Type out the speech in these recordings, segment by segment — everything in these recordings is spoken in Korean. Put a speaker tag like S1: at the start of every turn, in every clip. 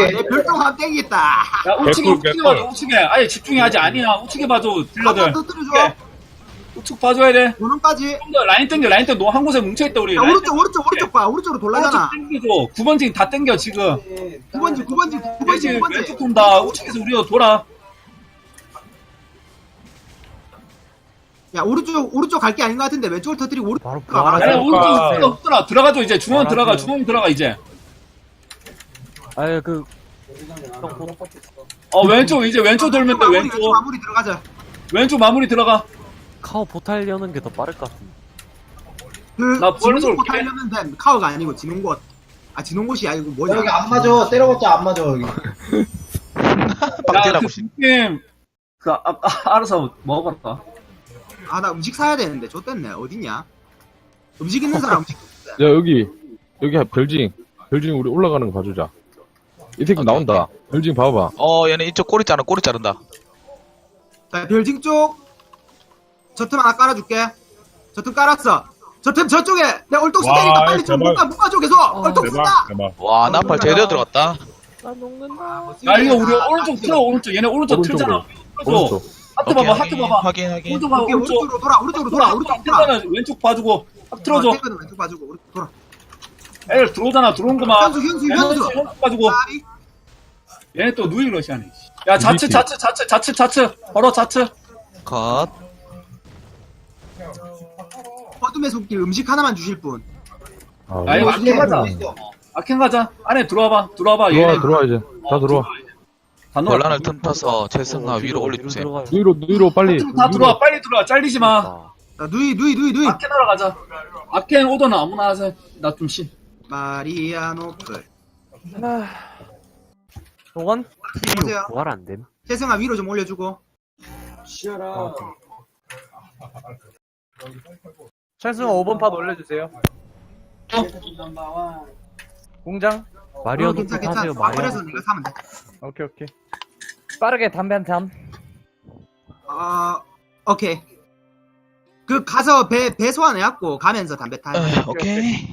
S1: 내 별똥함 땡기겠다.
S2: 야, 우측에,
S3: 개꿀,
S2: 우측에
S3: 개꿀.
S2: 봐줘, 우측에. 아예 집중해야지. 아니야. 우측에 봐줘, 딜러들.
S1: 한번 터뜨려줘.
S2: 우측 봐줘야 돼.
S1: 도는까지.
S2: 좀 더 라인 땡겨, 라인 땡겨. 한 곳에 뭉쳐있다, 우리.
S1: 야,
S2: 라인
S1: 오른쪽 봐. 오른쪽으로 돌라잖아.
S2: 오른쪽 땡겨줘. 9번징 다 땡겨, 지금.
S1: 9번지.
S2: 왼쪽 돈다. 우측에서 우리가 돌아.
S1: 야, 오른쪽 갈 게 아닌 것 같은데, 왼쪽을 터뜨리고 오른쪽
S4: 바로
S1: 가.
S4: 부활하자.
S2: 아니,
S3: 그러니까.
S2: 오른쪽 들어가. 들어가줘, 이제. 중앙 들어가,
S4: 알았어요.
S2: 중앙 들어가, 이제.
S4: 아유 그
S2: 왼쪽, 이제 왼쪽 돌면 돼, 왼쪽.
S1: 마무리 들어가자.
S2: 왼쪽 마무리 들어가.
S4: 카오 포탈 여는 게 더 빠를 것 같은데.
S2: 나 벌써
S1: 진홍곳
S2: 올게.
S1: 하려면 돼. 카오가 아니고 진홍곳. 아, 진홍곳이 아니고 뭐냐.
S5: 여기 안 맞아. 때려봤자 안 맞아, 여기.
S2: 야,
S3: 빵태라고
S2: 그 느낌. 알아서 먹어봐라.
S1: 아, 나 음식 사야 되는데. 좆됐네. 어딨냐? 음식 있는 사람 음식.
S3: 야 여기 별징 우리 올라가는 거 봐주자. 이 새끼 나온다. 별징 봐봐.
S6: 얘네 이쪽 꼬리 자른다.
S1: 자, 별징 쪽. 저 틈 하나 깔아줄게. 저 틈 깔았어. 저 틈 저쪽에 내 얼똑
S3: 와,
S1: 쓰니까 빨리 좀
S3: 제발.
S1: 묶어줘 계속. 얼똑 쓴다.
S3: 대박.
S6: 와, 나팔 제대로 들어갔다.
S4: 나 녹는다.
S2: 야, 이거 우리 오른쪽 틀어, 오른쪽. 얘네 오른쪽 틀잖아.
S3: 오른쪽.
S2: 하트 봐봐, 하트 봐봐.
S6: 확인.
S2: 오른쪽 봐봐,
S1: 오케이,
S2: 오른쪽.
S1: 오른쪽으로 돌아. 오른쪽 돌아.
S2: 틀잖아. 왼쪽 봐주고. 하트 틀어줘.
S1: 탱크는 왼쪽 봐주고 오른쪽 돌아.
S2: 애들 들어오잖아, 들어온 거만.
S1: 현수.
S2: 현수 봐주고.
S1: 까비.
S2: 얘네 또 누이 러시아네. 야, 좌측. 바로 좌측.
S6: 컷.
S1: 어둠의 손길 음식 하나만 주실 분.
S2: 야, 이거 아켄 가자. 아켄 가자. 안에 들어와봐. 얘네
S3: 들어와 이제. 다 들어와.
S2: 다 넣어.
S6: 곤란을 틈타서 최승나 위로 올려주세요.
S3: 누이로 빨리.
S2: 다 들어와. 빨리 들어와. 잘리지 마.
S1: 자, 누이.
S2: 아켄 하러 가자. 아켄 오더나 아무나 하세요. 나 좀 신.
S1: 마리아노플.
S4: 동원?
S1: 보세요.
S4: 부활 안 됨.
S1: 재승아 위로 좀 올려주고.
S7: 찬승아 5번 팟 올려주세요. 공장.
S4: 마리아노
S1: 괜찮아.
S4: 타세요.
S1: 마무리해서
S4: 마리아노.
S1: 네가 사면 돼.
S7: 오케이. 빠르게 담배 한 잠.
S1: 오케이. 그 가서 배 소환해갖고 가면서 담배 타.
S6: 오케이.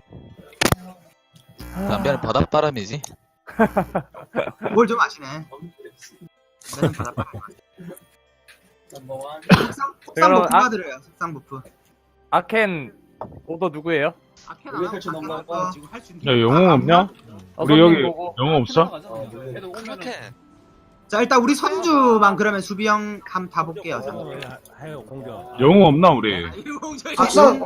S6: 담배는 바닷바람이지.
S1: 뭘 좀 아시네. 나는 바닷바람. 석상
S7: 그럼
S1: 버프 받으래요. 석상 버프.
S7: 아켄 오더 누구예요?
S1: 아켄 안 하고 지금 할수 있는.
S3: 야 영웅 없냐? 우리
S7: 어선님
S3: 여기
S7: 보고.
S3: 영웅 없어?
S2: 애들 오면은
S1: 자, 일단 우리 선주만 그러면 수비형 한번 타볼게요.
S3: 영웅 없나 우리?
S5: 석상